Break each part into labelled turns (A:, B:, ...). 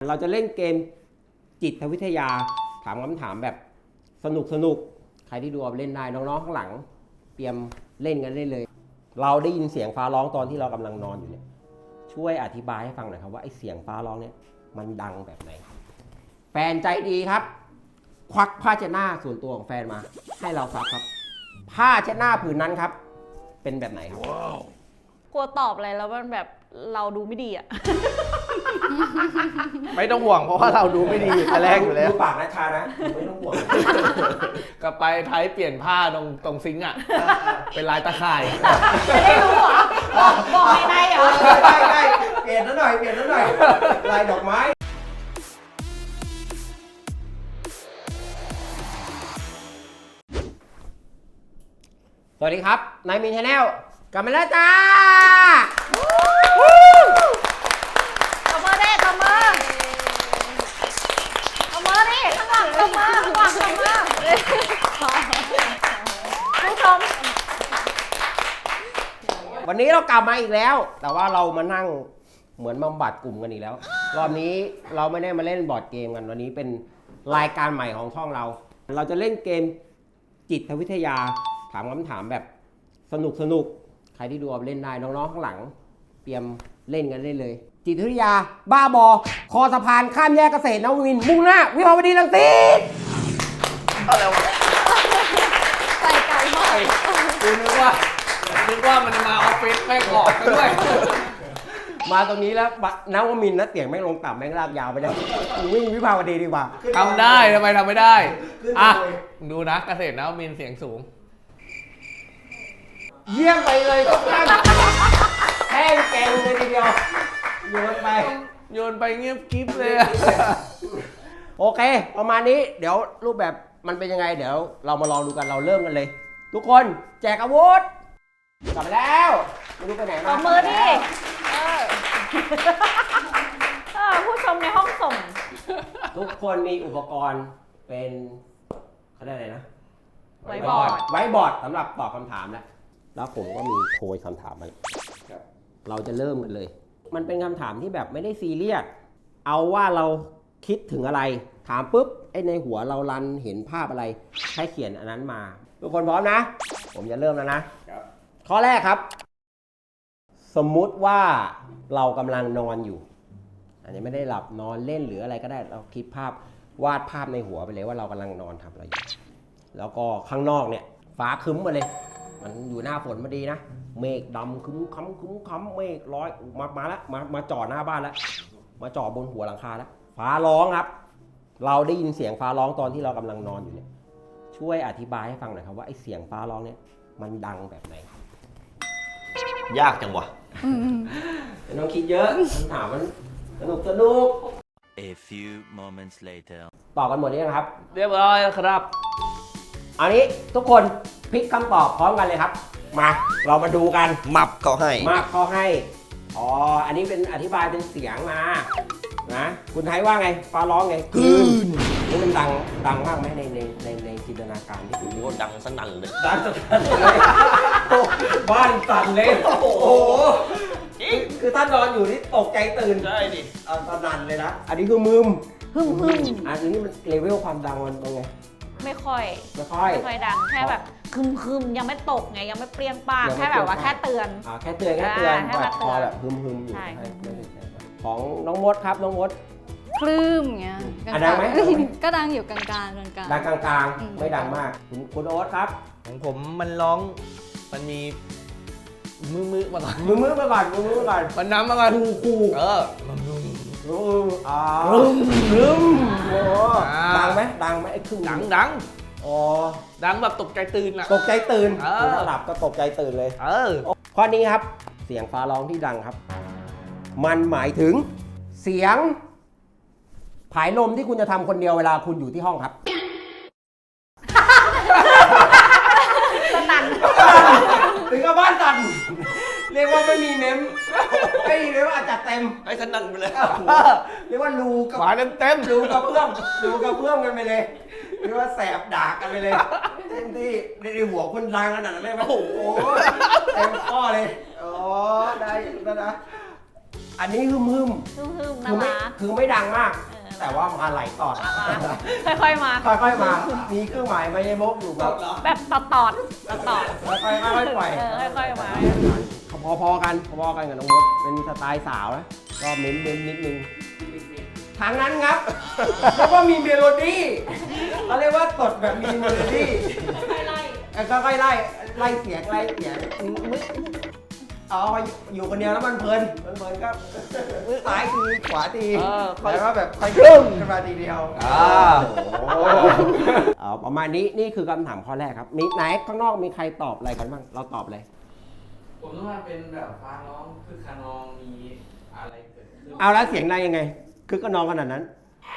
A: เราจะเล่นเกมจิตวิทยาถามคำถามแบบสนุกใครที่ดูเอาเล่นได้น้องๆข้างหลังเตรียมเล่นกันได้เลยเราได้ยินเสียงฟ้าร้องตอนที่เรากำลังนอนอยู่เนี่ยช่วยอธิบายให้ฟังหน่อยครับว่าไอ้เสียงฟ้าร้องเนี่ยมันดังแบบไหนแฟนใจดีครับควักผ้าเช็ดหน้าส่วนตัวของแฟนมาให้เราซักครับผ้าเช็ดหน้าผืนนั้นครับเป็นแบบไหนครับ
B: กลัวตอบอะไรแล้วมันแบบเราดูไม่ดีอ่ะ
C: ไม่ต้องห่วงเพราะว่าเราดูไม่ดีแต่แรกอยู่แล้ว
A: ดูปากนะชานะไม่ต้องห่วง
C: กลับไปไทยเปลี่ยนผ้าตรงซิงค์อ่ะ เป็นลายตะข่าย
B: จะได้รู้เหรอบอกในเหรอ
A: ได้เปลี่ยนนิดหน่อยลายดอกไม้สวัสดีครับนายมินชาแนลกลับมาแล้วจ้า
B: ตบมือดิตบมือดิข้างหลังตบมือข้างหลังตบมือผู้ชม
A: วันนี้เรากลับมาอีกแล้วแต่ว่าเรามานั่งเหมือนบำบัดกลุ่มกันอีกแล้วรอบนี้เราไม่ได้มาเล่นบอร์ดเกมกันวันนี้เป็นรายการใหม่ของช่องเราจะเล่นเกมจิตวิทยาถามคำถามแบบสนุกใครที่ดูเอาเล่นได้น้องๆข้างหลังเตรียมเล่นกันได้เลยจิตวิทยาบ้าบอคอสะพานข้ามแยกเกษตรนวมินทร์มุ่งหน้าวิภาวดีรังสิต
C: อะไรวะ
B: ใส่ไก่หอย
C: กูนึกว่ามันมาออฟฟิศแม่งหลอกกันด้วย
A: มาตรงนี้แล้วนวมินทร์นะเสียงแม่งลงต่ำแม่งลากยาวไปเลยวิ่งวิภาวดีดีกว่า
C: ทำได้ทำไมทำไม่ได้อ่ะดูนะเกษตรนวมินทร์เสียงสูง
A: เยี่ยมไปเลยทุกท่านแห้งแกงเลยทีเดียวโยนไป
C: เงียบกิ๊บเลย
A: โอเคประมาณนี้เดี๋ยวรูปแบบมันเป็นยังไงเดี๋ยวเรามาลองดูกันเราเริ่มกันเลย ทุกคนแจกอาวุธกลับมาแล้วไม่รู้ไปไหนมา
B: ตบมือดิผู้ชมในห้องส่ง
A: ทุกคนมีอุปกรณ์เป็นเขาเรียกอะไรนะ
B: ไว้บอร์ด
A: สำหรับตอบคำถามแล้วผมก็มีโพยคำถามมาเราจะเริ่มกันเลยมันเป็นคำถามที่แบบไม่ได้ซีเรียสเอาว่าเราคิดถึงอะไรถามปุ๊บไอ้ในหัวเรารันเห็นภาพอะไรให้เขียนอันนั้นมาทุกคนพร้อมนะผมจะเริ่มแล้วนะข้อแรกครับสมมุติว่าเรากำลังนอนอยู่อันนี้ไม่ได้หลับนอนเล่นหรืออะไรก็ได้เราคิดภาพวาดภาพในหัวไปเลยว่าเรากำลังนอนทำอะไรอยู่แล้วก็ข้างนอกเนี่ยฟ้าครึ้มมาเลยมันอยู่หน้าฝนมาดีนะเมฆดำครึ้มค้ำเมฆลอยมาแล้วมาจ่อหน้าบ้านแล้วมาจ่อบนหัวหลังคาแล้วฟ้าร้องครับเราได้ยินเสียงฟ้าร้องตอนที่เรากำลังนอนอยู่เนี่ยช่วยอธิบายให้ฟังหน่อยครับว่าไอ้เสียงฟ้าร้องเนี่ยมันดังแบบไหน
C: ยากจังวะ
A: ไม่ต้องคิดเยอะคำถามมันสนุก
D: A few moments later
A: ตอบกันหมดหรือยังครับ
C: เรียบร้อยครับ
A: อันนี้ทุกคนพลิกคำตอบพร้อมกันเลยครับมาเรามาดูกัน
C: มับเขาให้
A: อ๋ออันนี้เป็นอธิบายเป็นเสียงมานะคุณไทยว่าไงฟ้าร้องไงกลืนนี่มันดังมากไหมในจินตนาการที่คุณ
C: โดังสนั่นเลย
A: ดังสนั่นเลยบ้านสั่นเลยโอ้โหคือถ้านอนอยู่นี่ตกใจตื่น
C: ได้ดิ
A: สนั่นเลยนะอันนี้คือมึมอันนี้มันเลเวลความดังมันเป็นไง
B: ไม่ค่อยดังแค่แบบคึมยังไม่ตกไงยังไม่เปรี้ยงป้างแค่แบบว่าแค่เตือน
A: แค่เตือนแบบพอแบบฮึมอยู่ของน้องมดครับน้องมด
E: คลื่นเงี้ย
A: ดังไหม
E: ก็ดังอยู่กลาง
A: ดังกลางไม่ดังมากคุณโอ๊ตครับ
C: ของผมมันร้องมันมีมือมาก่อนมันน้ำมาก่อน
A: คูดังไหมไอ้ครึ่ง
C: ดัง
A: อ๋อ
C: ดังแบบตกใจตื่นอะ
A: ตกใจตื่นถ้าหลับก็ตกใจตื่นเลยข้อนี้ครับเสียงฟ้าร้องที่ดังครับมันหมายถึงเสียงผายลมที่คุณจะทำคนเดียวเวลาคุณอยู่ที่ห้องครับ
B: สั่น
A: ถึงกับบ้านสั่นเรียกว่าไม่มีเมมไม่เรียกว่าอาจจะเต็ม
C: ไอ้สนั่นไปเลย
A: เรียกว่ารูกับ
C: หวานเต็ม
A: รูกับเพื่อมกันไปเลยเรียกว่าแสบดากกันไปเลยเต็มที่ในหัวคนดังขนาดนั้นเลยไหมโอ้โหเต็มข้อเลยอ๋อได้แล้วนะอันนี้ฮึมฮึม
B: ฮึ่มๆ
A: คือ
B: น่า
A: ไม่
B: รัก
A: คือไม่ดังมาก
B: เออ
A: แต่ว่ามาไหลต่อ
B: ค่อยๆมา
A: ค่อยๆมา มีเครื่องหมายไม่ได้บกอยู่แบบ
B: แบบตอด
A: ค่อยๆค่อยๆปล่อย
B: ค่อยๆมา
A: พอๆกันกับน้องมดเป็นสไตล์สาวนะก็เม้นนิดนึงทางนั้นครับเรียกว่ามีเมโลดี้เขาเรียกว่าตดแบบมีเมโลดี้ก็ค่อยๆไล่เสียงอ๋ออยู่คนเดียวแล้วมันเพลินก็ซ้ายทีขวาทีแล้วก็แบบค่อยขึ้นมาทีเดียวประมาณนี้นี่คือคำถามข้อแรกครับมีไหนข้างนอกมีใครตอบอะไรกันบ้างเราตอบเลย
F: ผมต้องมาเป็นแบบฟ้าร้องคือคานองมีอะไรเกิดขึ้น
A: เอาแล้วเสียงนายยังไง คือก็นองขนาดนั้น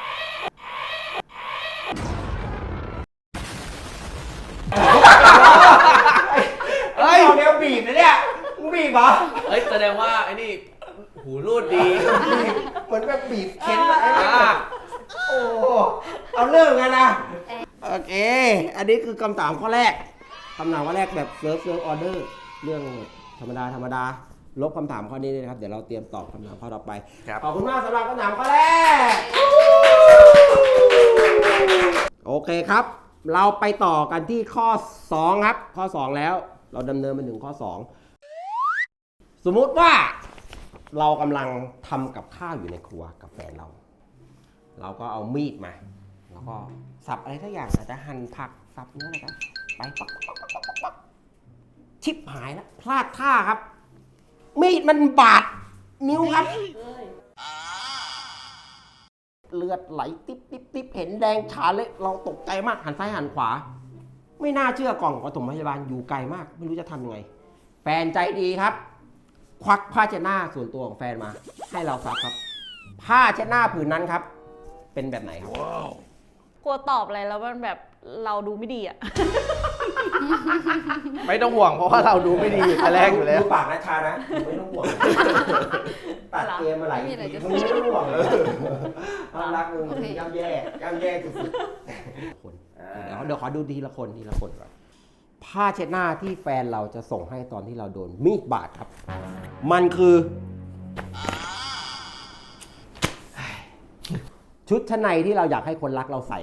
A: เฮ้ยเดี๋ยวบีบนะเนี่ยมึงบีบเหรอ
C: เฮ้ยแสดงว่าไอ้นี่หูรูดดี
A: เหมือนแบบบีบเค้นอะไรโอ้เอาเรื่องกันนะโอเค อันนี้คือคำถามข้อแรกคำถามข้อแรกแบบเซิร์ฟออเดอร์เรื่องธรรมดาลบคำถามข้อนี้เลยนะครับเดี๋ยวเราเตรียมตอบคำถามข้อต่อไปขอบคุณมากสำหรับคำถามข้อแรกโอเคครับ เราไปต่อกันที่ข้อ2ครับข้อ2แล้วเราดำเนินไปถึงข้อ2สมมุติว่าเรากำลังทำกับข้าวอยู่ในครัวกับแฟนเราก็เอามีดมาแล้วก็สับอะไรทุกอย่างอาจจะหั่นผักสับเนื้ออะไรกันไปปักชิบหายแล้วพลาดท่าครับมีดมันบาดนิ้วครับเลือดไหลติ๊บเห็นแดงฉานเลยเราตกใจมากหันซ้ายหันขวาไม่น่าเชื่อกล่องปฐมพยาบาลอยู่ไกลมากไม่รู้จะทำยังไงแฟนใจดีครับควักผ้าเช็ดหน้าส่วนตัวของแฟนมาให้เราซักครับผ้าเช็ดหน้าผืนนั้นครับเป็นแบบไหนครับ
B: กลัวตอบอะไรแล้วมันแบบเราดูไม่ดีอ่ะ
C: ไม่ต้องห่วงเพราะว่าเราดูไม่ดีแต่แรกอยู่แล้ว
A: ดูปากนะชานะไม่ต้องห่วงตัดเกมมาหลายทีมึงไม่ต้องห่วงความรักมึงย่ำแย่สุดๆคนเดี๋ยวขอดูทีละคนก่อนผ้าเช็ดหน้าที่แฟนเราจะส่งให้ตอนที่เราโดนมีดบาดครับ มันคือชุดชั้นในที่เราอยากให้คนรักเราใส่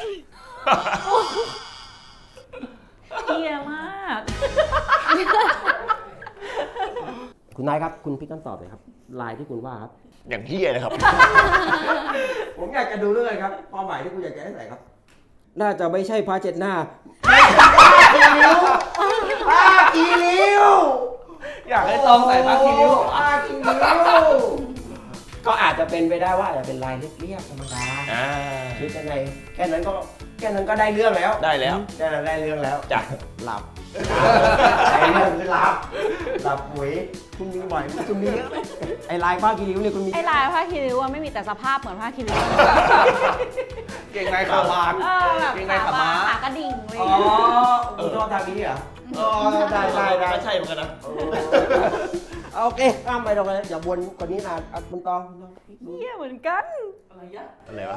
B: เฮียมาก
A: คุณนายครับคุณพิกคำตอบเลยครับลายที่คุณว่าครับ
C: อย่างเฮี้ยเลยครับ
A: ผมอยากจะดูเรื่องครับเป้าหมายที่คุณอยากจะให้ใส่ครับ น่าจะไม่ใช่ผ้าเช็ดหน้าผ้ากีริ้ว
C: อยากให้ต้องใส่ผ้าคีริ้ว
A: ผ้ากีริ้วก็อาจจะเป็นไปได้ว่าอาจจะเป็นลายเรียบๆธรรมดาชุดชั้นในแค่นั้นก็ได้เรื่องแล้ว
C: ได้แล้ว
A: แค่นั้นได้เรื่องแล้ว
C: จ้ะ
A: หลับได้เรื่องคือหลับปุ๋ยคุณมีบ่อยคุณมีเยอะไหมไอ้ลายผ้ากีริ้วเนี่ยคุณมี
B: ไอ้ลายผ้าคีริ้วอะไม่มีแต่สภาพเหมือนผ้าคีริ้ว
C: เก่งในขาวาน
B: แบบ
C: เก่งในขาม้า
B: ขากระดิ่งเลย
A: อ๋อคุณชอบทางนี้เหรออ๋อได้
C: ก็ใช่เหมือนกันนะ
A: โอเคข้ามไปตรงนั้นอย่าวนกว่านี้นานคุณตอง
B: เฮียเหมือนกัน
C: อะไรวะ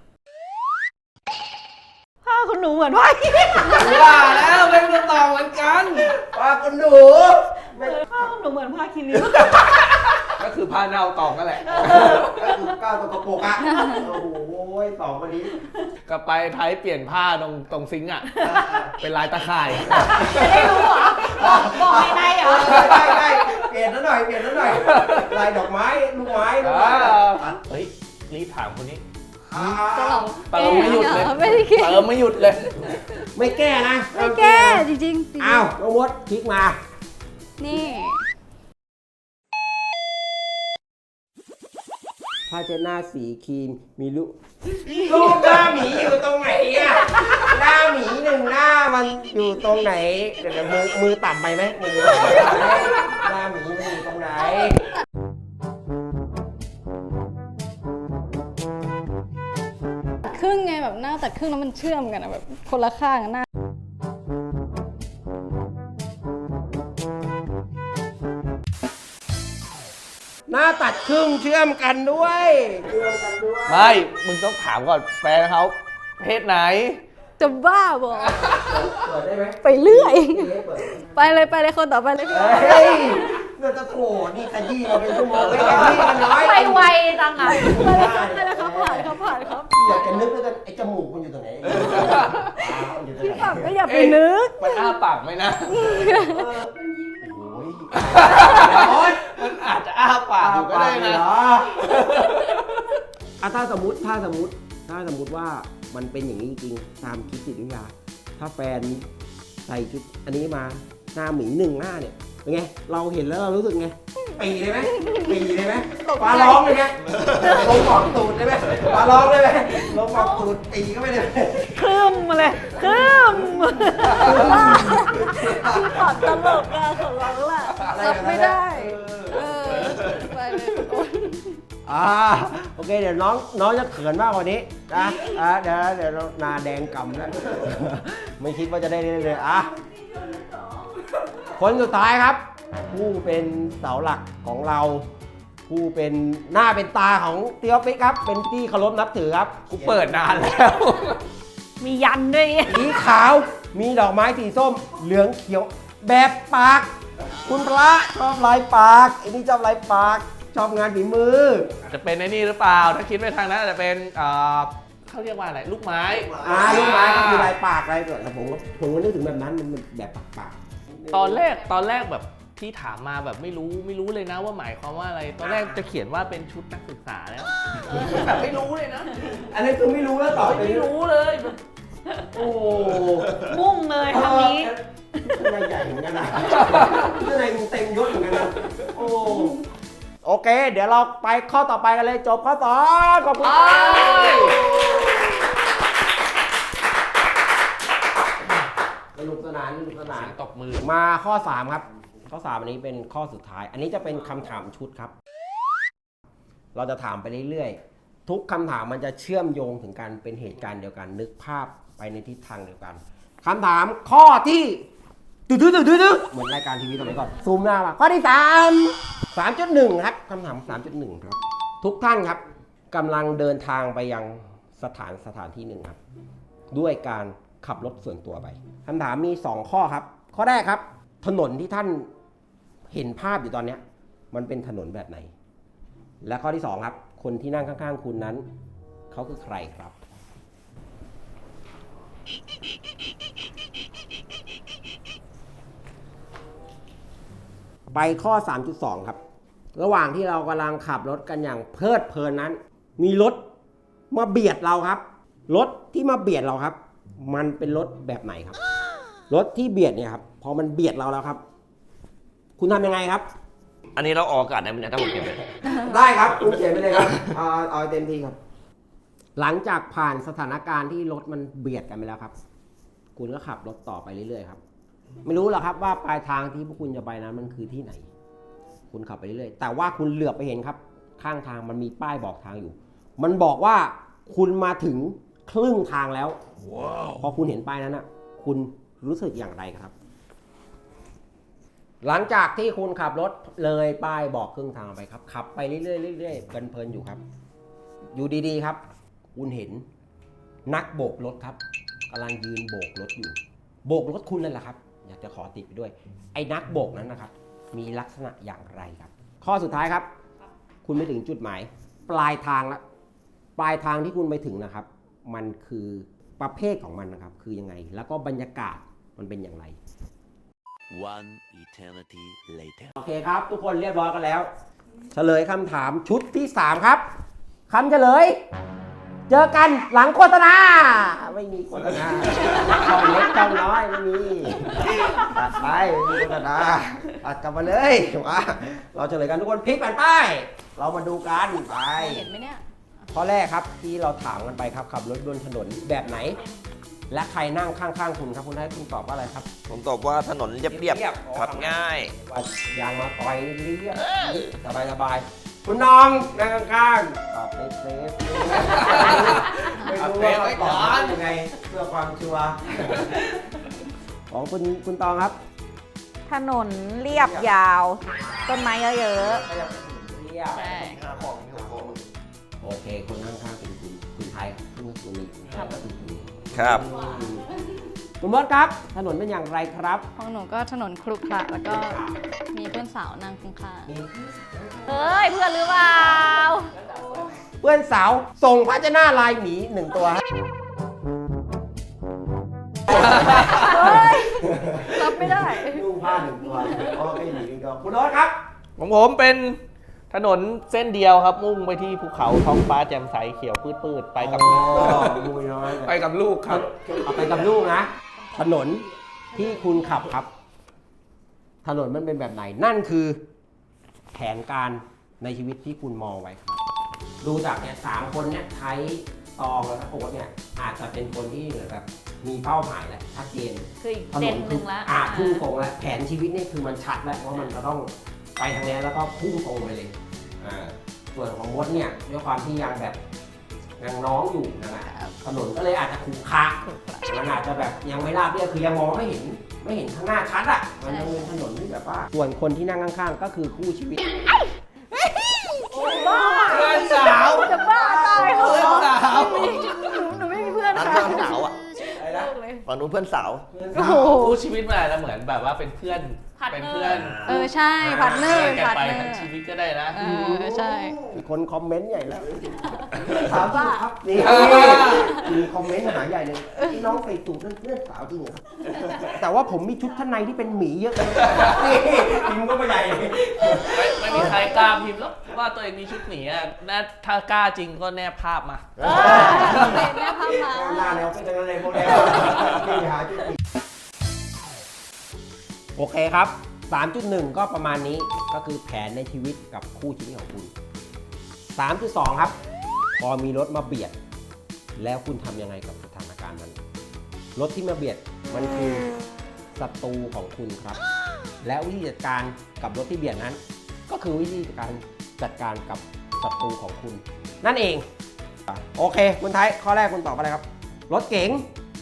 B: ผ้าคุณหนูเหมือนผ้าคีริ้ว
C: ว่าแล้วเป็นคำตอบเหมือนกัน
A: ว่าคุณหนู
B: ผ้าคุณหนูเหมือนผ้าคีริ้ว
C: ก็คือพาเนาตองนั่นแหละ
A: ก็คือก้าวตะโกกอ่ะโอ้โหสองคนนี้
C: ก็ไปไทยเปลี่ยนผ้าตรงซิงค์อ่ะ เป็นลายตะข่าย
B: จะได้รู้เหรอบอกไม่ได้เหรอ
A: ได้เปลี่ยนแล้วหน่อยลายดอกไม้ลูกไม้
C: เฮ้ยรีบถามคนนี้
E: จะหลอก
C: เติมไม่หยุดเลย
E: ไม่ได้คิด
C: เติมไม่หยุดเลย
A: ไม่แก้นะ
E: ไม่แก้จริงๆ
A: อ้าวน้องมดคลิกมา
E: นี่
A: ผ้าเช็ดหน้าสีครีมมีลูกหน้าหมีอยู่ตรงไหนอ่ะหน้าหมีหนึ่งหน้ามันอยู่ตรงไหนเดี๋ยวมือต่ำไปไหมมือหน้าหมีมันอยู่ตรงไหน
E: ครึ่งไงแบบหน้าตัดครึ่งแล้วมันเชื่อมกันอะแบบคนละข้างอะหน้า
A: หน้าตัดครึ่งเชื่อมกันด้วย
C: ไม่ มึงต้องถามก่อนแฟนเขาเพศไหน
E: จะบ้าบอก
A: เปิดได้ไหม
E: ไปเรื่อย
A: เปิด
E: ไปเลยคนต่อไปเลยพี่
A: เฮ้ยเรื่องจะโถนี่ขยี้มาเป็นชั่วโมงเลยขยี้กันน้อย
B: ไปไวจังอ่ะ
E: ได้แล้วครับผ่านครับผ่านครับ
A: อยากจะนึกด้วยกันไอ้จมูกมันอยู่ตรงไหนมันอยู่ตรงไหน
E: แบบก็อย่าไปนึก
C: มันอ้าปากไหมนะ
A: โอ้ย
C: มันอาจจะอ้าปากอยู่ก็ได้นะ
A: ถ้าสมมติว่ามันเป็นอย่างนี้จริงตามคิดจิตวิทยาถ้าแฟนใส่ชุดอันนี้มาหน้าหมี1 หน้าเนี่ยเป็นไงเราเห็นแล้วเรารู้สึกไงปีเลยไหมปลาร้องเลยไหมลงหมอกตูดเลยไหมปลาร้องเลยไหมลงหมอกตูดปีก็ไม่ได้
B: คืมมาเลยคืม
E: คือตอบตลกอะของเราแหละรับไม่ได้ไปเลยโอ๊ย
A: โอเคเดี๋ยวน้องจะเขินมากกว่านี้นะเดี๋ยวหนาแดงกำแล้ว ไม่คิดว่าจะได้เลยคนสุดท้ายครับ ผู้เป็นเสาหลักของเรา ผู้เป็นหน้าเป็นตาของเตียวฟิกครับ เป็นที่เคารพนับถือครับ
C: กูเปิดนานแล้ว
B: มียันด้วย
A: สีขาวมีดอกไม้สีส้ม เหลืองเขียวแบบปาก คุณพระชอบลายปากไอ้นี่ชอบลายปากชอบงานฝีมือ
C: จะเป็นไอ้นี่หรือเปล่า ถ้าคิดไปทางนั้นอาจจะเป็นเขาเรียกว่าอะไร ลูกไม้
A: ลูกไม้ก็คือลายปากลายตัวแต่ผมก็นึกถึงแบบนั้นมันแบบปาก
C: ตอนแรกแบบที่ถามมาแบบไม่รู้เลยนะว่าหมายความว่าอะไร ตอนแรกจะเขียนว่าเป็นชุดนักศึกษาแล้วแบบไม่รู้เลยนะ
A: อันนี้คือไม่รู้แล้วตอบ
C: ไม่รู้เลย
A: โอ้
B: มุ่งเลยทางนี้
A: นายใหญ่เหมือนกันนะนายเต็มยศเหมือนกันนะโอเค เดี๋ยวเราไปข้อต่อไปกันเลยจบข้อ2ขอบคุณสนุกสนาน
C: ตบมือ
A: มาข้อ3ครับข้อ3อันนี้เป็นข้อสุดท้าย อันนี้จะเป็นคำถามชุดครับ เราจะถามไปเรื่อยๆทุกคำถามมันจะเชื่อมโยงถึงกันเป็นเหตุการณ์เดียวกันนึกภาพไปในทิศทางเดียวกันคำถามข้อที่เหมือนรายการทีวีสมัยก่อนซูมหน้ามาข้อที่3.1 ครับคำถาม 3.1 ครับ ทุกท่านครับกำลังเดินทางไปยังสถานที่หนึ่งครับด้วยการขับรถส่วนตัวไปคำถามมี2ข้อครับข้อแรกครับถนนที่ท่านเห็นภาพอยู่ตอนนี้มันเป็นถนนแบบไหนและข้อที่2ครับคนที่นั่งข้างๆคุณนั้นเขาคือใครครับไปข้อ 3.2 ครับระหว่างที่เรากำลังขับรถกันอย่างเพลิดเพลินนั้นมีรถมาเบียดเราครับรถที่มาเบียดเราครับมันเป็นรถแบบไหนครับรถที่เบียดเนี่ยครับพอมันเบียดเราแล้วครับคุณทำยังไงครับ
G: อันนี้เราออกอากาศได้ไหมเนี่ยถ้าผมเก็บไป
A: ได้ครับคุณเขียนไปเลยครับเอาเต็มที่ครับหลังจากผ่านสถานการณ์ที่รถมันเบียดกันไปแล้วครับคุณก็ขับรถต่อไปเรื่อยๆครับไม่รู้หรอกครับว่าปลายทางที่พวกคุณจะไปนั้นมันคือที่ไหนคุณขับไปเรื่อยๆแต่ว่าคุณเหลือบไปเห็นครับข้างทางมันมีป้ายบอกทางอยู่มันบอกว่าคุณมาถึงครึ่งทางแล้ว พอคุณเห็นป้ายนั้นนะคุณรู้สึกอย่างไรครับหลังจากที่คุณขับรถเลยป้ายบอกครึ่งทางไปครับขับไปเรื่อยๆเรื่อยๆเพลินๆอยู่ครับอยู่ดีๆครับคุณเห็นนักโบกรถครับกำลังยืนโบกรถอยู่โบกรถคุณนั่นแหละครับอยากจะขอติดไปด้วยไอ้นักโบกนั้นนะครับมีลักษณะอย่างไรครับข้อสุดท้ายครับคุณไปถึงจุดหมายปลายทางแล้วปลายทางที่คุณไปถึงนะครับมันคือประเภทของมันนะครับคือยังไงแล้วก็บรรยากาศมันเป็นอย่างไร
D: One eternity later.
A: โอเคครับทุกคนเรียบร้อยกันแล้วเฉลยคำถามชุดที่3ครับคำเฉลยเจอกันหลังโฆษณาไม่มีโฆษณาช่องเล็กช่องน้อยไม่มีตัดไปไม่มีโฆษณาตัดกลับมาเลยมาเราเฉลยกันทุกคนพลิกแผ่นป้ายเรามาดูกันไป
E: เห็นไหมเนี่ย
A: ข้อแรกครับที่เราถามกันไปครับขับรถบนถนนแบบไหน และใครนั่งข้างๆคุณครับคุณให้คุณตอบว่าอะไรครับ
G: ผมตอบว่าถนนเรียบๆขับง่าย
A: ว่ายางมาต่อยเรียบสบายๆคุณน้องนั่งข้างๆตอบเซฟไม่รู้ว่าตอบยังไงเพื่อความชัวร์ของคุณตองครับ
B: ถนนเรียบยาว ต้นไม้เยอะ
A: เรียบ
B: ๆใช่
A: โอเคคนข้างๆเป็นคุณไทยคุณมี
G: ครับ
A: คุณมดครับ ถนนเป็นอย่างไรครับ
E: ของหนูก็ถนนครุขระแล้วก็มีเพื่อนสาวนั่งข้าง
B: เฮ้ย เพื่อนหรือเปล่า
A: เพื่อนสาวส่งพาชนะลายหมี1 ตัว
E: ๆรับไม่ได้
A: นุ่งผ้า1 ตัวโอเคหมี1 ตัวคุณโน้ตครับ
C: ของผมเป็นถนนเส้นเดียวครับ มุ่งไปที่ภูเขาท้องฟ้าแจ่มใสเขียวพืดๆไปกับ
A: ดูน้อย
C: ไปกับลูกครับ
A: เอาไปกับลูกนะ ถนนที่คุณขับครับ ถนนมันเป็นแบบไหน นั่นคือแผนการในชีวิตที่คุณมองไว้ครับ ดูจากเนี่ย3 คนเนี่ยใช้ตองแล้วก็โอ๊ตเนี่ยอาจจะเป็นคนที่เหมือนแบบมีเป้าหมายแล้วชัดเจน
B: คืออีก
A: ถ
B: เจ
A: น
B: น
A: น
B: หนึ่งแล้ว
A: พุ่งตรงแล้วแผนชีวิตนี่คือมันชัดแล้วว่ามันจะต้องไปทางนี้แล้วก็พุ่งตรงไปเลยส่วนของมดเนี่ยด้วยความที่ยังแบบยังน้องอยู่นะถนนก็เลยอาจจะขรุขระมันอาจจะแบบยังไม่ราบเรียบคือยังมองไม่เห็นข้างหน้าชัดอ่ะมันยังเป็นถนนที่แบบว่าส่วนคนที่นั่งข้างๆก็คือคู่ชีวิต
C: เพื่อนสาว
E: จะบ้าตายเหรอ
C: เพื่อนสาว
E: หนูไม่มีเพื่อน
G: นั้น
E: ค่ะ
G: เพื่อนสาวอ่ะ
A: อะไรนะ
G: ฝั่งนู้นเพื่อนสาว
E: โอ้โห
C: คู่ชีวิตมันอาจจะเหมือนแบบว่าเป็นเพื่อน เป็นเพื่อน
E: ใช่พาร์ทเนอร์
C: กัน
E: พาร์ท
C: ไป
E: เนอ
C: ทั้ง
E: ร์
C: ชีวิตก็ได้นะ
E: ใช่
A: มีคนคอมเมนต์ใหญ่แล้วสาวจริงครับนี่มีคอมเมนต์หาใหญ่เลยที่น้องใส่สูทนั่นเพื่อนสาวจริงเหรอครับแต่ว่าผมมีชุดชั้นในที่เป็นหมีเยอะเลยนี่พิมพ์ก็ไม่ใหญ่เลย
C: ไม่มีใครกล้าพิมพ์แล้วว่าตัวเองมีชุดหมีอ่ะน่าถ้ากล้าจริงก็แนบภาพมา
E: เนี่ยพามา
A: หน้าแนวเป็นยังไงพวกนี้นี่หาจุดผิดโอเคครับ 3.1 ก็ประมาณนี้ก็คือแผนในชีวิตกับคู่ชีวิตของคุณ 3.2 ครับ พอมีรถมาเบียด แล้วคุณทำยังไงกับสถานการณ์นั้น รถที่มาเบียดมันคือศัตรูของคุณครับ และวิธีจัดการกับรถที่เบียดนั้น ก็คือวิธีการจัดการกับศัตรูของคุณ นั่นเอง โอเค คุณไทยข้อแรกคุณตอบอะไรครับ รถเก๋ง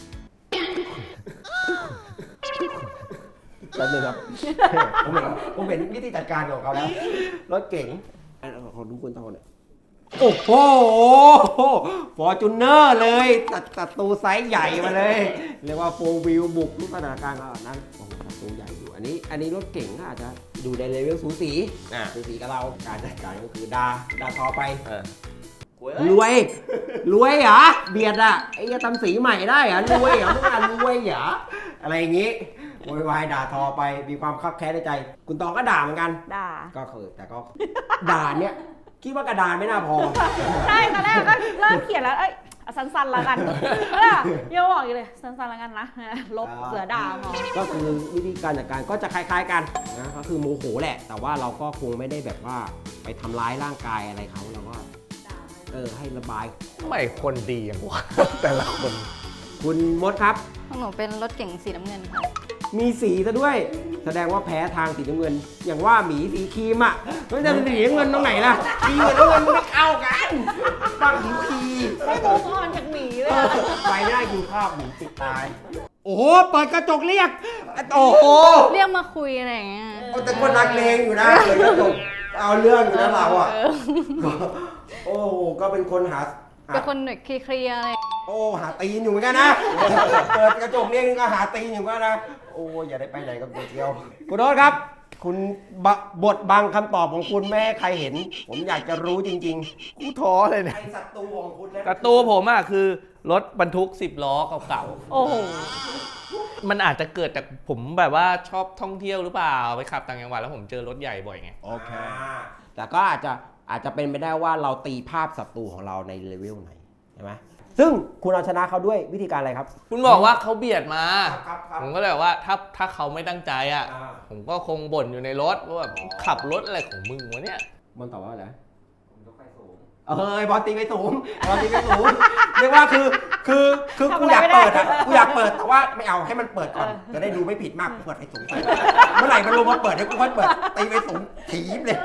A: แล้วนึงครับ ผมเห็นวิธีจัดการของเขาแล้ว รถเก๋งขอดูคุณตอบหน่อยโอ้โหฟอร์จูเนอร์เลยศัตรูไซส์ใหญ่มาเลย เรียกว่าโฟร์วิวบุกทุกสถานการณ์เอานั้นโอ้โหศัตรูใหญ่อยู่อันนี้รถเก๋งก็อาจจะดูในเลเวลสูสีกับเราการจัดการก็คือดาทอไปรวยเหรอเบียดอ่ะไอ้จะทำสีใหม่ได้เหรอรวยเหรอเมื่อวานรวยเหรออะไรอย่างงี้โวยวายด่าทอไปมีความคับแค้นในใจ คุณตองก็ด่าเหมือนกัน
B: ด่า
A: ก็คือแต่ก็ ด่าเนี่ยคิดว่ากระดานไม่น่าพอ
B: ใช่ตอนแรกก็เริ่มเขียนแล้ว เอ้ยเอาสั้นๆแล้วกันยังบอกอยู่เลยสั้นๆแล้วกันนะ ลบเสือด่าพอ
A: ก็คือวิธีการจัดการก็จะคล้ายๆกันนะก็คือโมโหแหละ แต่ว่าเราก็คงไม่ได้แบบว่าไปทำร้ายร่างกายอะไรเขาเราก็ให้ระบาย
C: ไม่คนดีอย่างวะ แต่ละคน
A: คุณมดครับ
E: ของหนูเป็นรถเก๋งสีน้ำเงินค่ะ
A: มีสีซะด้วย แสดงว่าแพ้ทางสีน้ำเงิน อย่างว่าหมีสีครีมอ่ะไม่จะเป็นสีน้ำเงินตรงไหนล่ะครีมกับน้ำเงินมันไม่เข้ากันบ้างหิวครี
B: ไม่มูฟออนจากหมีเลยอะ
A: ไปไม่ได้กินข้าวหมูติดตาย โอ้โห เปิดกระจกเรียก โอ้โห
E: เรียกมาคุยอะไรอย่างเงี้ย
A: แต่คนนักเลงอยู่นะเปิดกระจกเอาเรื่องอยู่นะเราอ่ะ โอ้โห ก็เป็นคนหา
E: เป็นคนแบบเคลียร์ๆอะไร
A: โอ้ หาตีนอยู่เหมือนกันนะ เปิดกระจกเรียกนี่ก็หาตีนอยู่เหมือนกันนะ โอ้อย่าได้ไปไหนกับตัวเดียว คุณโน้ตครับ คุณบทบังคำตอบของคุณแม่ให้ใครเห็น ผมอยากจะรู้จริงๆ
C: กูท้อเลยเนี่ย
A: ไอศัตรูของคุณนะ
C: ศัตรูผมอ่ะคือรถบรรทุก10 ล้อเก่า
B: โอ้โห
C: ๆ มันอาจจะเกิดจากผมแบบว่าชอบท่องเที่ยวหรือเปล่าไปขับต่างจังหวัดแล้วผมเจอรถใหญ่บ่อยไง
A: โอเค แต่ก็อาจจะเป็นไปได้ว่าเราตีภาพศัตรูของเราในเลเวลไหนใช่ไหมซึ่งคุณเอาชนะเขาด้วยวิธีการอะไรครับ
C: คุณบอกว่าเขาเบียดมา
A: ครับ
C: ผมก็เลยบอกว่าถ้าเขาไม่ตั้งใจอ่ะ ผมก็คงบ่นอยู่ในรถว่าแบบขับรถอะไรของมึงวะเนี่ย
A: มันตอบว่าอะไรบอลตีไปสูงเรียกว่าคือกูอยากเปิดอ่ะกูอยากเปิดแต่ว่าไม่เอาให้มันเปิดก่อนจะได้ดูไม่ผิดมากเปิดไปสูงไปเมื่อไหร่มันลงมาเปิดเดี๋ยวกูค่อยเปิดตีไปสูงถีบเลย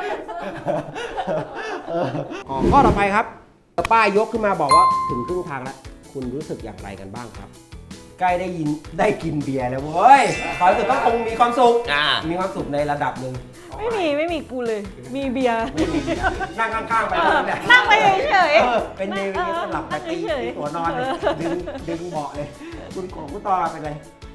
A: ข้อต่อไปครับป้ายยกขึ้นมาบอกว่าถึงครึ่งทางแล้วคุณรู้สึกอย่างไรกันบ้างครับ ใกล้ได้กินเบียร์แล้วเว้ยความรู้สึกก็คงมีความสุขมีความสุขในระดับหนึ่ง
B: ไม่มีกูเลย มีเบียร์
A: นั่งข้างๆไป
B: นั่งไปเฉย
A: เป็นเนวิสหลับไปตีตัวนอนเลยดึงเบาะเลยคุณของคุณต่อเป็นไร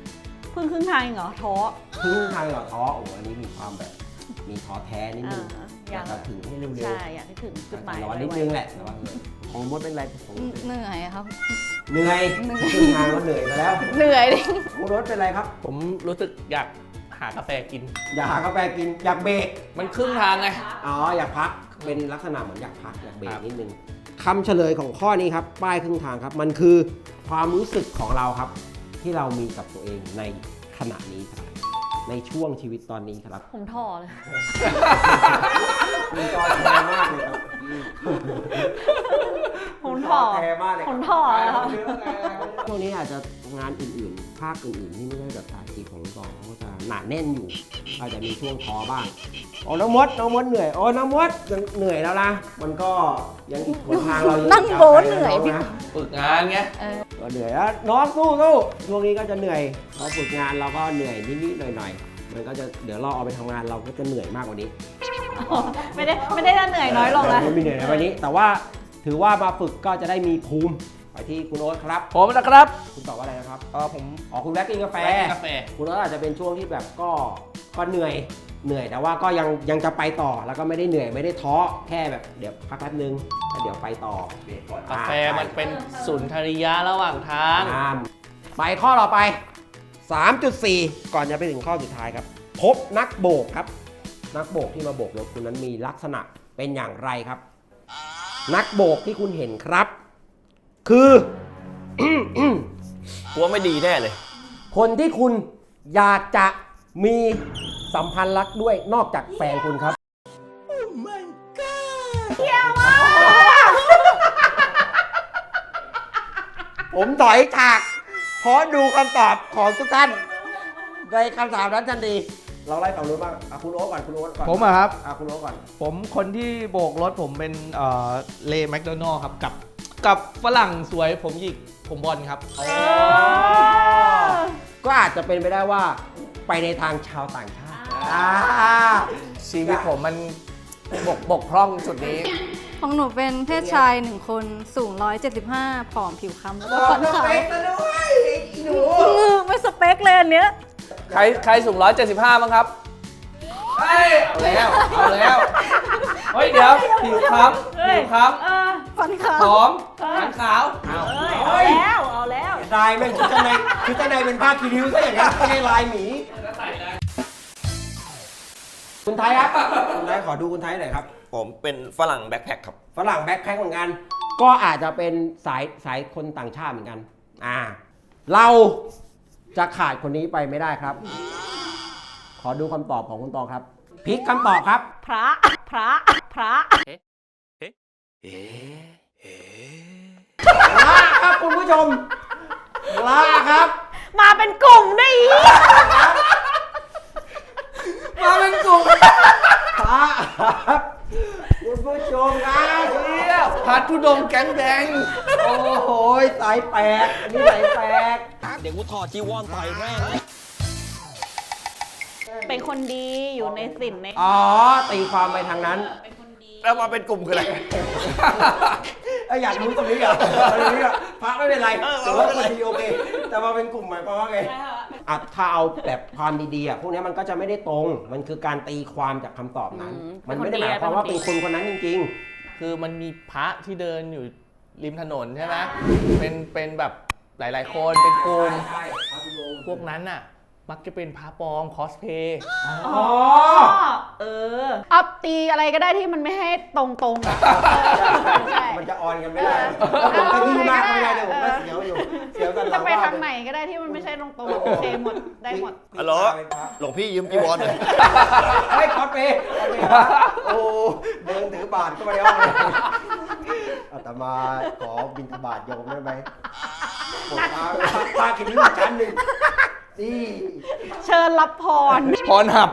B: เพิ่งครึ่งทางเองเหรอท้อ
A: ครึ่งทางเหรอท้อโอ้โหอันนี้มีความแบบมีท้อแท้นิดนึง
B: อยาก
A: จะถึงให้เร็วๆ
B: ใช่อยากให้ถึงจุดหมาย
A: ร้อนนิดนึงแหละแต่ว่าของมดเป็นไรของมดเป็น
E: เหนื่อยครับ
A: เหนื่อยครึ่งทางก็เหนื่อยมาแล้ว
E: เหนื่อยดิ
A: ของรถเป็นไรครับ
C: ผมรู้สึกอยากหากาแฟกิน
A: อยากหากาแฟกินอยากเบรก
C: มันครึ่งทางไง
A: อ๋ออยากพักเป็นลักษณะเหมือนอยากพักอยากเบรก
C: ครับ
A: นิดนึงคำเฉลยของข้อนี้ครับป้ายครึ่งทางครับ มันคือความรู้สึกของเราครับ ที่เรามีกับตัวเองในขณะนี้ครับ ในช่วงชีวิตตอนนี้ครับ
B: ผมท้อเลย
A: คุณจอแท้มากเลยครับ
B: ผมท้อ
A: แท้มากเลย
B: ผมท้อเลยครับ
A: ช่วงนี้อาจจะงานอื่นๆ ภาคอื่นๆที่ไม่ใช่แบบสายกีของกองเขาก็จะหนาแน่นอยู่ อาจจะมีช่วงท้อบ้างโอ้น้องมดเหนื่อยโอ้น้องมดยังเหนื่อยแล้วนะมันก็ยังอีกหนทางเรายัง
E: นั่งโบ๊ทเหนื่อยพี่
A: นะ
C: ฝึกงานไง
A: ก็เหนื่อยแล้วน้องสู้ช่วงนี้ก็จะเหนื่อยพอฝึกงานเราก็เหนื่อยนิดๆหน่อยๆมันก็จะเดี๋ยวเราเอาไปทำงานเราก็จะเหนื่อยมากกว่านี้
B: ไม่ได้เหนื่อยน้อยลงนะ
A: ไม่มีเหนื่อยในวันนี้ แต่ว่าถือว่ามาฝึกก็จะได้มีภูมิไปที่คุณโอ๊ตครับ
C: ผมนะครับ
A: คุณตอบว่าอะไรนะครับ
C: ผม
A: อ๋อคุณแวะกินกาแฟ
C: แวะกินกาแฟ
A: คุณโอ๊ตอาจจะเป็นช่วงที่แบบก็เหนื่อยแต่ว่าก็ยังจะไปต่อแล้วก็ไม่ได้เหนื่อยไม่ได้ท้อแค่แบบเดี๋ยวพักแป๊บนึงแล้วเดี๋ยวไปต่อก
C: าแฟมันเป็นสุนทรียะระหว่างทาง
A: ไปข้อต่อไป 3.4 ก่อนจะไปถึงข้อสุดท้ายครับ พบนักโบกครับ นักโบกที่มาโบกรถคุณนั้นมีลักษณะเป็นอย่างไรครับ นักโบกที่คุณเห็นครับ คือ
G: กลัวไม่ดีแน่เลย
A: คนที่คุณอยากจะมีสัมพันธ์รักด้วยนอกจากแฟนคุณครับ ผมถอยฉากเพราะดูคำตอบของทุกท่านในคำถามนั้นทันทีเราไล่ฝั่งนู้นบ้างคุณโอ๊ตก่อนคุณโอ๊ตก่อน
C: ผมอะครับ
A: คุณโอ๊ตก่อน
C: ผมคนที่โบกรถผมเป็นเลแมคโดนัลครับกับฝรั่งสวยผมหยิกผมบอลครับ
A: ก็อาจจะเป็นไปได้ว่าไปในทางชาวต่างชาติ
C: ชีวิตผมมันบกพร่องจุดนี้
E: ของหนูเป็นเพศชาย1คนสูง 175 ผอมผิวคล้ำแล้วก็ฟันขาวไม่สเปคเลยอันเนี้ย
C: ใครสูง 175บ้างครับเอาแล้วเฮ้ยเดี๋ยวผิวคล้ำ
E: ฟันขาว
C: ผอมฟันขาว
B: เอาแล้ว
A: ลายแม่งชุดชั้นในเป็นผ้าคีริ้วซะอย่างนั้นไม่ใช่ลายหมีคุณไทยครับคุณไทยขอดูคุณไทยหน่อยครับ
G: ผมเป็นฝรั่งแบ็คแพ็คครับ
A: ฝรั่งแบ็คแพ็คเหมือนกัน ก็อาจจะเป็นสายคนต่างชาติเหมือนกัน เราจะขาดคนนี้ไปไม่ได้ครับ ขอดูคำตอบของคุณตองครับพลิกคำตอบครับ
B: พระ
A: ลาครับคุณผู้ชมลาครับ
B: มาเป็นกลุ่มได้อีก
A: มาเป็นกลุ่มลาครับคุณผู้ชมครับ
C: พัดทุดงแก๊งแดง
A: โอ้โหสายแปลกอันนี้สายแปลก
G: เดี๋ยวกูถอดจีวรต่อยแม่ง
B: เป็นคนดีอยู่ในศีลใน
A: อ๋อตีความไปทางนั้น
B: เป็นคนดี
G: แล้วมาเป็นกลุ่มคืออะไร
A: อยากรู้ตรงนี้เหรอตรงนี้เหรอพระไม่เป็นไรแต่ว่าคนดีโอเค แต่มาเป็นกลุ่มหมายความว่าไงถ้าเอาแบบความดีๆพวกนี้มันก็จะไม่ได้ตรง มันคือการตีความจากคำตอบนั้น มันไม่ได้หมายความว่าเป็นคนคนนั้นจริง
C: คือมันมีพระที่เดินอยู่ริมถนนใช่ไหมเป็นแบบหลายๆคนเป็นกลุ่มพวกนั้นน่ะ มักจะเป็นพระปลอมคอสเพย์
A: อ๋อ
B: เอาตีอะไรก็ได้ที่มันไม่ให้ตรงๆอะใช่
A: มันจะออนกันไม่ได้ผมก็ที่มากไม่ได้เลยผมก็เสียวอยู่เสียวกัน
B: จะไปทางไหนก็ได้ที่มันไม่ใช่ตรงๆโอเคหมดได้หมด
G: ฮัลโหล หลวงพี่ยืมจีวรหน่อย
A: เฮ้ยคอสเพย์โอ้เดินถือบาทเข้ามาในห้องเลยอาตมาขอบิณฑบาตโยมได้ไหมผมพากินที่ชั้นหนึ่งนี่
B: เชิญรับพร
C: พรหับ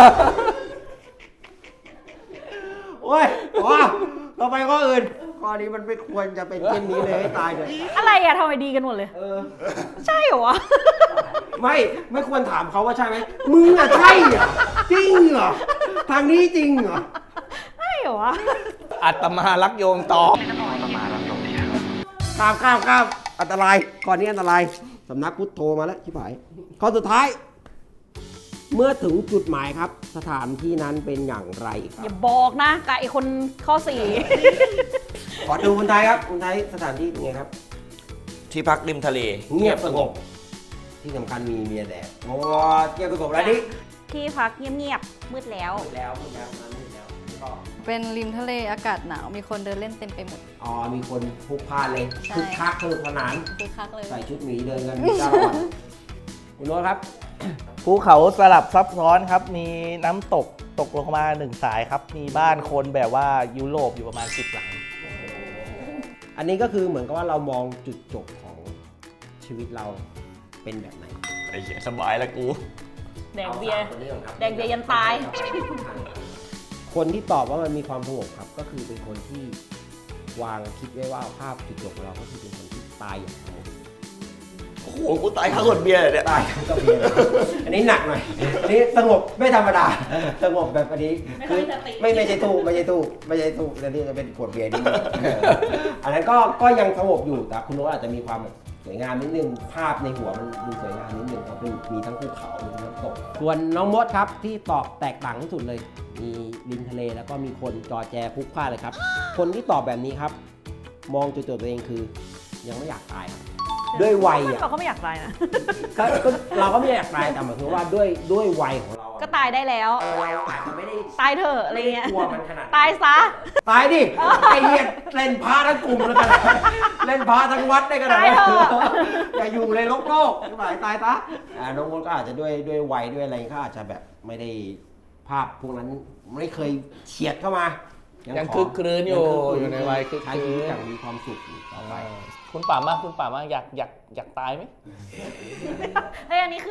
A: โอ้ยว้าเราไปข้ออื่นข้อนี้มันไม่ควรจะเป็นเช่นนี้เลยให้ตายเลย
B: อะไรอะทำไมดีกันหมดเลย ใช่เหรอวะ
A: ไม่ควรถามเขาว่าใช่ไหมมึงอะใช่เหรอจริงเหรอทางนี้จริงเหรอ
B: ใช่เหรอวะ
C: อัตมารักโยมตอง
A: ข้ามอันตรายก่อนนี้อันตรายสำนักพุทโธมาแล้วชิบหายข้อสุดท้าย เมื่อถึงจุดหมายครับ สถานที่นั้นเป็นอย่างไรครั
B: อย่า
A: บ
B: บอกนะกับไอคนข้อ
A: ขอดูคนไทยครับคนไทยสถานที่เป็นไงครับ
G: ที่พักริมทะเล
A: เงียบสงบ ที่สำคัญมีเมียแดดโอ้เงียบสงบแล้วดิ
B: 4 ที่พักเงียบๆมืดแล้ว
A: แล้วนั้นแล้วก็
E: เป็นริมทะเลอากาศหนาว มีคนเดินเล่นเต็มไปหมด
A: อ๋อมีคนพลุกพล่านเลย
E: ใช่
A: คึกคักสนุกสนาน
E: คือคักเลย
A: ใส่ชุดหมีเดินกันตลอดคุณโน้ตครับ
C: ภูเขาสลับซับซ้อนครับ มีน้ำตกตกลงมา1 สายครับ มีบ้านคนแบบว่ายุโรปอยู่ประมาณ10 หลัง
A: อันนี้ก็คือเหมือนกับว่าเรามองจุดจบของชีวิตเราเป็นแบบไหน
G: ไอ้เหี้ยสบายแล้วกู
B: แดกเบียร์
A: อาสามคนนี้ก่อนครับ
B: แดกเบียร์ยันตาย
A: คนที่ตอบว่ามันมีความสงบครับ ก็คือเป็นคนที่วางคิดไว้ว่าภาพจุดจบของเราก็คือเป็นคนที่ตายอย่างสงบ
G: โอ้โห กูตายข้างขวดเบียร์เลยเนี่ย
A: ตายก็เบียร์อันนี้หนักหน่อยอันนี้สงบไม่ธรรมดาสงบแบบอันนี้
B: ไม่ค่อยมีสติ
A: ไม่ใช่ตู้อันนี้จะเป็นขวดเบียร์นี่อันนั้นก็ยังสงบอยู่แต่คุณโน้ตอาจจะมีความแบบสวยงามนิดนึงภาพในหัวมันดูสวยงามนิดนึงเพราะมีทั้งภูเขามีทั้งน้ำตกส่วนน้องมดครับที่ตอบแตกต่างที่สุดเลย มีริมทะเลแล้วก็มีคนจอแจพลุกพล่านเลยครับ คนที่ตอบแบบนี้ครับ มองจุดจบตัวเองคือยังไม่อยากตายครับด้วยวัยอ่ะ
B: เราก็ไม่อยากตายนะ
A: ก็เราก็ไม่อยากตายแต่หมายถึงว่าด้วยวัยของเราอะ
B: ก็ตายได้แล้ว
A: เราอาจจะไม่ได้
B: ตายเถอะอะไรเงี้ย
A: กลัวมันขนาดนั้น
B: ตายซะ
A: ตายดิไอ้เหี้ยเล่นพระทั้งกลุ่มแล้วกันเล่นพระทั้งวัดได้ขนาด
B: ตาย
A: นั้น
B: เถอะ
A: อย่าอยู่ในโลกตายซะน้องคนก็อาจจะด้วยวัยด้วยอะไรก็อาจจะแบบไม่ได้ภาพพวกนั้นไม่เคยเฉียดเข้ามา
C: ยัง
A: ขอ
C: คึกครื้นอยู่
A: ง
C: อยู่ในวัยคึก
A: ใช้
C: ค
A: ชี
C: รื้
A: วิต
C: น
A: อย่างมีความสุขต่อไป
C: คุณป่ามากอยากตายไหม
B: เฮ้ยอันนี้คือ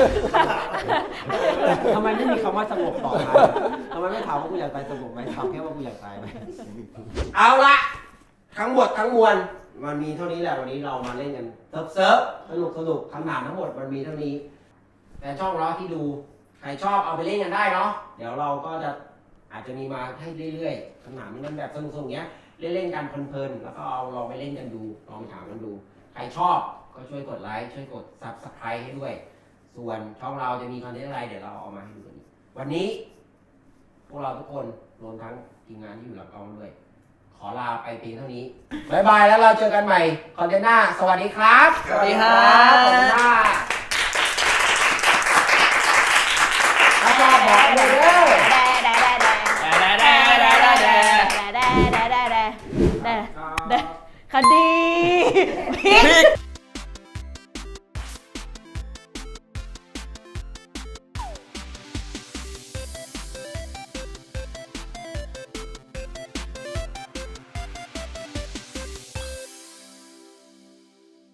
A: ทำไมไม่มีคำว่าสงบต่อมาทำไมไม่ถามว่ากูอยากตายสงบไหมถามแค่ว่ากูอยากตายไหมเอาละทั้งหมดทั้งมวลมันมีเท่านี้แหละวันนี้เรามาเล่นกันเซิร์ฟสนุกคำถามทั้งหมดมันมีเท่านี้ แต่ช่องเราที่ดูใครชอบเอาไปเล่นกันได้เนาะเดี๋ยวเราก็จะอาจจะมีมาให้เรื่อยๆคำถามนี้มันแบบสนุกๆอย่างเงี้ยเล่นๆกันเพลินๆแล้วก็เอาลองไปเล่นกันดูลองไปถามกันดู ใครชอบก็ช่วยกดไลค์ช่วยกด Subscribe ให้ด้วย ส่วนช่องเราจะมีคอนเทนต์อะไรเดี๋ยวเราเอามาให้ดูกันอีกวันนี้ พวกเราทุกคนรวมทั้งทีมงานที่อยู่หลังกล้องด้วย ขอลาไปเพียงเท่านี้บ๊ายบายแล้วเราเจอกันใหม่คอนเทนต์หน้าสวัสดีครับ
C: สวัสดีครับ
A: ขอบคุณมากถ้าชอบบอกเลยเด้อ
B: คดี